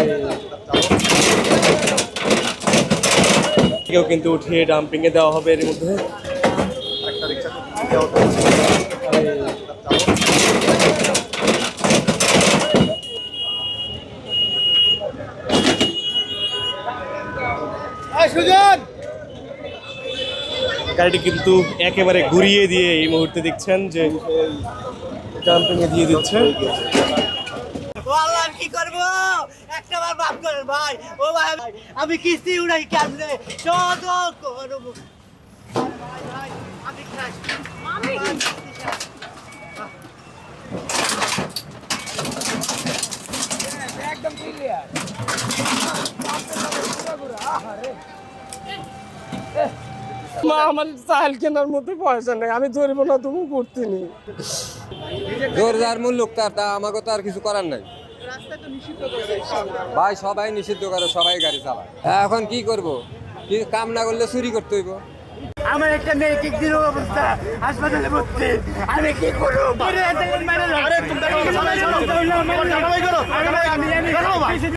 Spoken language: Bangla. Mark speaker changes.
Speaker 1: কেউ কিন্তু উঠিয়ে ডাম্পিং এ দেওয়া হবে এর মধ্যে। গাড়িটি কিন্তু একেবারে ঘুরিয়ে দিয়ে এই মুহূর্তে দেখছেন যে ডাম্পিং এ দিয়ে দিচ্ছে।
Speaker 2: কি করবো একটা বার মাফ করেন ভাই, ও ভাই আমি কিস্তি উড়াই কেমনে যত করবো আমি একদম ক্লিয়ার।
Speaker 3: মা আমার চাল কেনার মধ্যে পয়সা নেই, আমি ধরব না, তুমি করতে নি
Speaker 4: জোর যার মূল লোক তার, তা আমাকে তো আর কিছু করার নাই ভাই। সবাই নিষিদ্ধ করে, সবাই গাড়ি চালায়। এখন কি করব, কি কাম না করলে চুরি করতে হইব।
Speaker 2: আমার একটা মেয়ে কিক দিল অবস্থা, হাসপাতালে ভর্তি, আমি কি করবো?